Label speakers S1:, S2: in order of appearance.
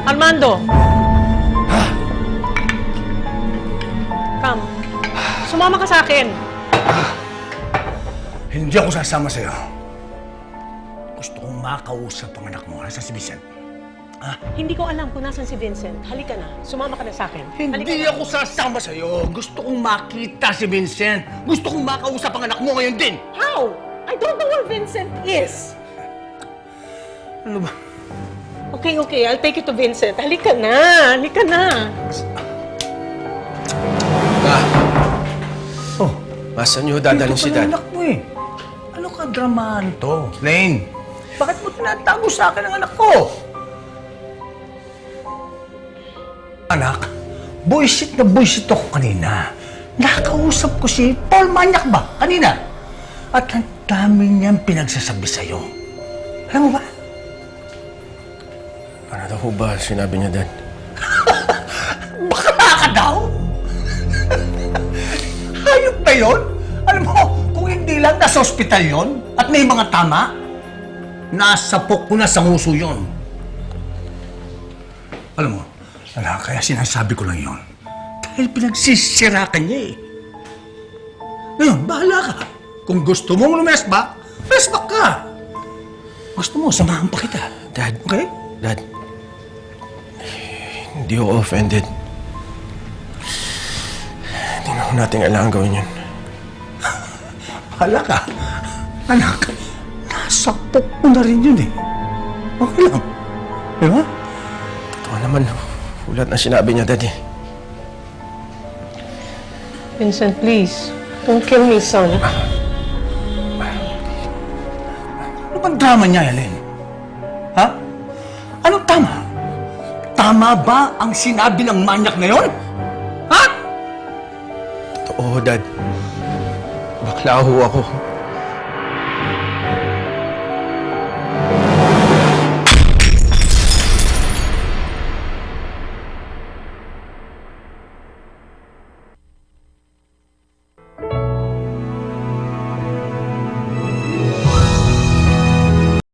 S1: Armando! Come. Sumama ka sa akin.
S2: Hindi ako sasama sa'yo. Gusto kong makausap ang anak mo. Nasa si Vincent?
S1: Hindi ko alam kung nasan si Vincent. Halika na. Sumama ka na sa akin.
S2: Hindi ako sasama sa'yo. Gusto kong makita si Vincent. Gusto kong makausap ang anak mo ngayon din.
S1: How? I don't know where Vincent is.
S2: Ano ba?
S1: Okay. I'll take you to Vincent. Halika na.
S2: Oh,
S3: Masan niyo dadalhin si Dad?
S2: anak mo eh. Ano ka dramahan to? Lane, bakit mo tinatago sa akin ang anak ko? Anak, buisit na buisit ako kanina. Nakausap ko si Paul Manyak ba kanina? At ang dami niyang pinagsasabi sa'yo. Alam mo ba?
S3: Ano daw ho ba sinabi niya, Dad?
S2: Bakla ka daw? Hayop ba yun? Alam mo, kung hindi lang nasa ospital yon at may mga tama, nasa pok ko na sa nguso yun. Alam mo, kaya sinasabi ko lang yon dahil pinagsisirakan niya eh. Ngayon, bahala ka. Kung gusto mong lumesbak, mesbak ka. Gusto mo, samahan pa kita.
S3: Dad.
S2: Okay?
S3: Dad. Hindi ako offended. Hindi na ho natin kailangan gawin yun.
S2: Bahala ka. Anak, nasa pok mo na rin yun eh. Okay lang. Di ba?
S3: Totoo naman, ulat na sinabi niya, Dad eh.
S1: Vincent, please. Don't kill me, son.
S2: Ano bang drama niya, Helen? Ha? Anong tama? Tama ba ang sinabi ng manyak na yon? Ha?
S3: Totoo, Dad. Bakla ho ako.